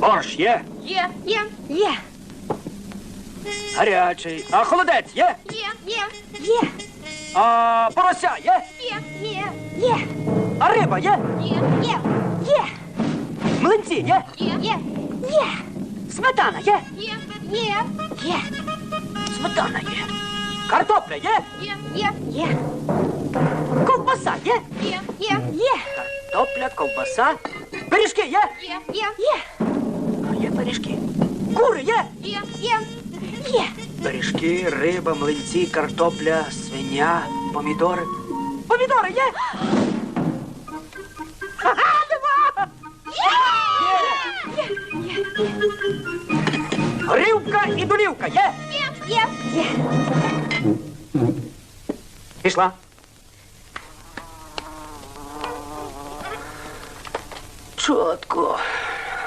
Борщ є? Є. Гарячий. А холодець є? Є. А порося є? Є. А риба є? Є. Млинці є? Є. Сметана є? Є. Сметана є. Картопля є? Є. Ковбаса є? Є. Картопля, ковбаса. Пиріжки є? Є. Є пиріжки. Кури є? Є. Пиріжки, риба, млинці, картопля, свиня, помідори. Помідори є? Ха-ха, нема! Горілка і долівка є? Є. Пішла. Чотко.